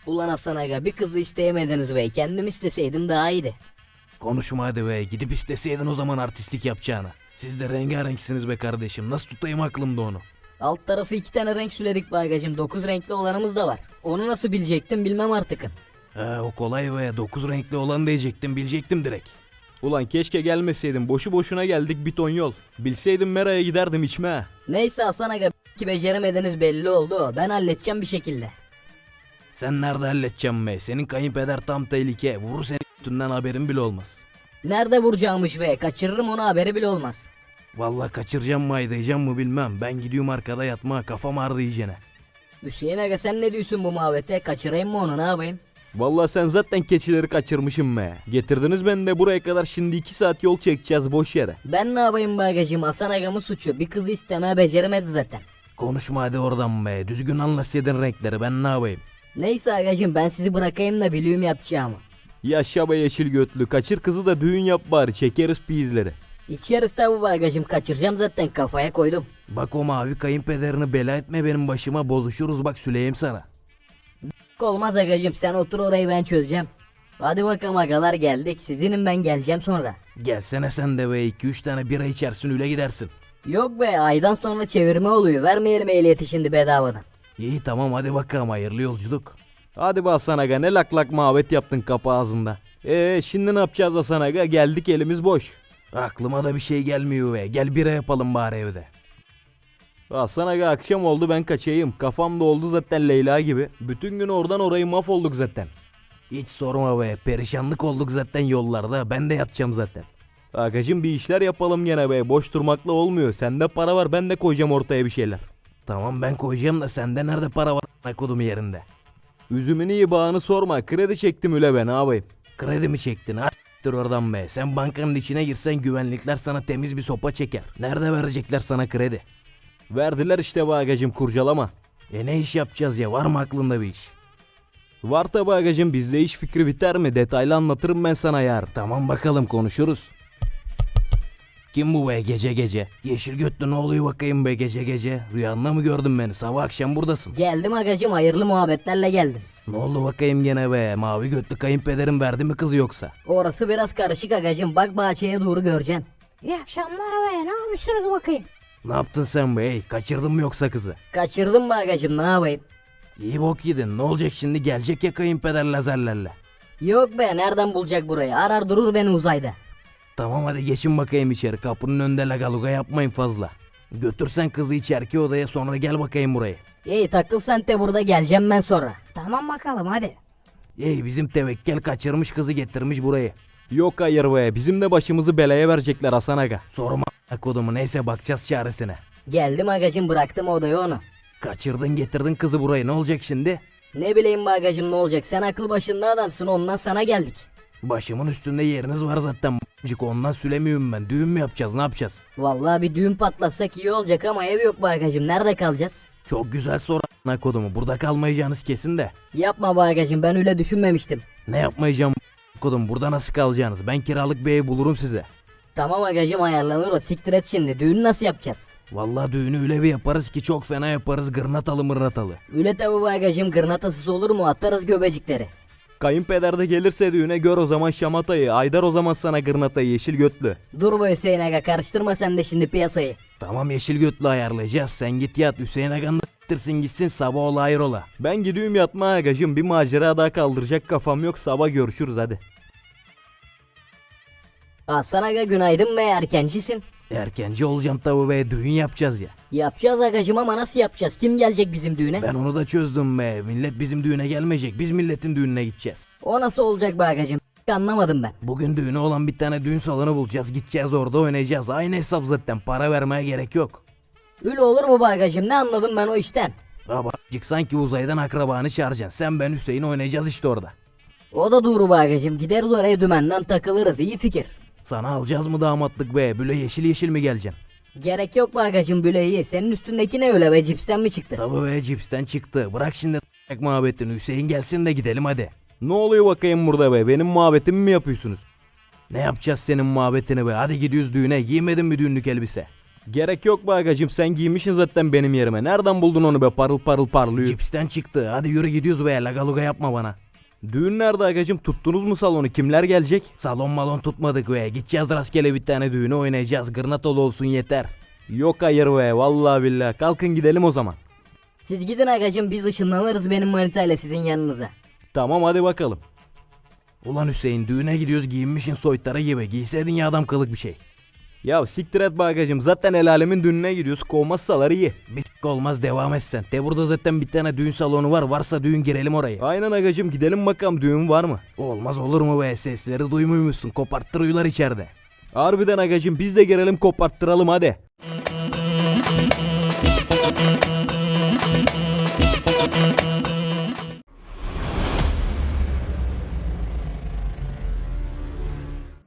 Ulan Hasan aga, bir kızı isteyemediniz be. Kendim isteseydim daha iyiydi. Konuşma hadi be, gidip isteseydin o zaman artistlik yapacağını. Siz de rengarenksiniz be kardeşim, nasıl tutayım aklımda onu. Alt tarafı 2 tane renk süledik bagajım. 9 renkli olanımız da var. Onu nasıl bilecektim bilmem artık. O kolay be, 9 renkli olan diyecektim, bilecektim direkt. Ulan keşke gelmeseydim, boşu boşuna geldik bir ton yol. Bilseydim Mera'ya giderdim içme. Neyse Hasan aga, ki beceremediniz belli oldu. Ben halledeceğim bir şekilde. Sen nerede halledeceğim be, senin kayınpeder tam tehlike, vurur seni üstünden haberin bile olmaz. Nerede vuracağımış be, kaçırırım onu, haberi bile olmaz. Vallahi kaçıracağım mı aydayacağım mı bilmem, ben gidiyorum arkada yatma, kafam ağrıdı iyicene. Hüseyin aga, sen ne diyorsun bu muhabbete? Kaçırayım mı onu, ne yapayım? Vallahi sen zaten keçileri kaçırmışım be. Getirdiniz beni de buraya kadar, şimdi 2 saat yol çekeceğiz boş yere. Ben ne yapayım bagajım, Hasan agamın suçu. Bir kızı istemeye beceremedi zaten. Konuşma hadi oradan be, düzgün anlatsaydın renkleri, ben ne yapayım. Neyse agacım, ben sizi bırakayım da bileyim yapacağımı. Yaşa be yeşil götlü, kaçır kızı da düğün yap bari, çekeriz piyizleri. İçeriz tabi bagajım, kaçıracağım zaten, kafaya koydum. Bak o mavi kayınpederini bela etme benim başıma, bozuşuruz bak süleyim sana. Olmaz agacım, sen otur, orayı ben çözeceğim. Hadi bakalım agalar, geldik. Sizinim, ben geleceğim sonra. Gelsene sen de be, 2-3 tane bira içersin öyle gidersin. Yok be, aydan sonra çevirme oluyor. Vermeyelim ehliyeti şimdi bedavadan. İyi tamam hadi bakalım, hayırlı yolculuk. Hadi be Hasan aga, ne lak lak muhabbet yaptın kapı ağzında. Şimdi ne yapacağız Hasan aga, geldik elimiz boş. Aklıma da bir şey gelmiyor be, gel bira yapalım bari evde. Hasan aga, akşam oldu, ben kaçayım. Kafam da oldu zaten Leyla gibi. Bütün gün oradan orayı mahvolduk zaten. Hiç sorma be, perişanlık olduk zaten yollarda, ben de yatacağım zaten. Agacım bir işler yapalım gene be, boş durmakla olmuyor. Sende para var, ben de koyacağım ortaya bir şeyler. Tamam ben koyacağım da sende nerede para var kodum yerinde. Üzümünü iyi bağını sorma, kredi çektim üle be, ne yapayım. Kredi mi çektin ha? S**tir oradan be, sen bankanın içine girsen güvenlikler sana temiz bir sopa çeker. Nerede verecekler sana kredi? Verdiler işte be agacım, kurcalama. Ne iş yapacağız ya, var mı aklında bir iş? Var tabi agacım, bizde iş fikri biter mi? Detaylı anlatırım ben sana yar. Tamam bakalım, konuşuruz. Kim bu be gece gece? Yeşil götlü ne oluyor bakayım be gece gece? Rüyanda mı gördün beni? Sabah akşam buradasın. Geldim agacım, hayırlı muhabbetlerle geldim. Ne oldu bakayım gene be? Mavi götlü kayınpederim verdi mi kızı yoksa? Orası biraz karışık agacım, bak bahçeye doğru göreceksin. İyi akşamlar be, ne yapıyorsunuz bakayım? Ne yaptın sen be? Hey, kaçırdın mı yoksa kızı? Kaçırdım mı agacım, ne yapayım? İyi bok yedin. Ne olacak şimdi? Gelecek ya kayınpeder lazerlerle. Yok be, nereden bulacak burayı? Arar durur beni uzayda. Tamam hadi geçin bakayım içeri. Kapının önünde lagaluga yapmayın fazla. Götürsen kızı içerki odaya, sonra gel bakayım buraya. İyi, takıl sen de burada, geleceğim ben sonra. Tamam bakalım hadi. Bizim tevekkel kaçırmış kızı getirmiş burayı. Yok hayır be, bizim de başımızı belaya verecekler Hasan aga. Sorma kodumu, neyse bakacağız çaresine. Geldim agacım, bıraktım odaya onu. Kaçırdın getirdin kızı buraya, ne olacak şimdi? Ne bileyim bagacım, ne olacak? Sen aklı başında adamsın, ondan sana geldik. Başımın üstünde yeriniz var zaten b***cik, ondan sülemiyorum ben. Düğün mü yapacağız, ne yapacağız? Vallahi bir düğün patlatsak iyi olacak ama ev yok bagacım, nerede kalacağız? Çok güzel soru kodumu, burada kalmayacağınız kesin de. Yapma bagacım, ben öyle düşünmemiştim. Ne yapmayacağım kodum, burada nasıl kalacaksınız? Ben kiralık bir ev bulurum size. Tamam agacım, ayarlanır o, siktir et şimdi. Düğünü nasıl yapacağız? Vallahi düğünü öyle bir yaparız ki çok fena yaparız, gırnatalı mırnatalı. Öyle tabi bagacım, gırnatasız olur mu? Atarız göbecikleri. Kayınpeder de gelirse düğüne, gör o zaman şamatayı. Aydar o zaman sana gırnatayı yeşil götlü. Dur be Hüseyin aga, karıştırma sen de şimdi piyasayı. Tamam yeşil götlü ayarlayacağız, sen git yat, Hüseyin Aga'nın s**tirsin gitsin, sabah ola hayrola. Ben gidiyorum yatma agacım, bir macera daha kaldıracak kafam yok, sabah görüşürüz hadi. Hasan aga, günaydın be, erkencisin. Erkenci olacağım tabi be, düğün yapacağız ya. Yapacağız agacım ama nasıl yapacağız? Kim gelecek bizim düğüne? Ben onu da çözdüm be, millet bizim düğüne gelmeyecek, biz milletin düğününe gideceğiz. O nasıl olacak be agacım? Anlamadım ben. Bugün düğünü olan bir tane düğün salonu bulacağız, gideceğiz orada oynayacağız, aynı hesap zaten, para vermeye gerek yok. Öyle olur mu bagacım? Ne anladım ben o işten? Babacık sanki uzaydan akrabanı çağıracaksın, sen ben Hüseyin oynayacağız işte orada. O da doğru bagacım, gideriz oraya, dümenden takılırız, iyi fikir. Sana alacağız mı damatlık be, böyle yeşil yeşil mi geleceksin? Gerek yok bagacım, böyle iyi. Senin üstündeki ne öyle be, cipsten mi çıktı? Tabi be, cipsten çıktı, bırak şimdi muhabbetini, Hüseyin gelsin de gidelim hadi. Ne oluyor bakayım burada be, benim muhabbetimi mi yapıyorsunuz? Ne yapacağız senin muhabbetini be, hadi gidiyoruz düğüne, giymedin mi düğünlük elbise? Gerek yok be agacım, sen giymişsin zaten benim yerime. Nereden buldun onu be, parıl parıl parlıyor. Cipsten çıktı. Hadi yürü gidiyoruz be, lagaluga yapma bana. Düğün nerede agacım, tuttunuz mu salonu, kimler gelecek? Salon malon tutmadık be. Gideceğiz rastgele bir tane düğüne oynayacağız. Gırnatalı olsun yeter. Yok hayır be, vallahi billahi, kalkın gidelim o zaman. Siz gidin agacım, biz ışınlanırız benim manitayla sizin yanınıza. Tamam hadi bakalım. Ulan Hüseyin, düğüne gidiyoruz giyinmişin soytarı gibi. Giyseydin ya adam kılık bir şey. Ya siktir et be agacım, zaten el alemin düğününe gidiyoruz, kovmazsalar iyi. Bir s**k olmaz, devam etsen. De burada zaten bir tane düğün salonu var. Varsa düğün girelim oraya. Aynen agacım, gidelim bakalım, düğün var mı? Olmaz olur mu be, sesleri duymuyor musun? Koparttırıyorlar içeride. Harbiden agacım, biz de girelim koparttıralım hadi.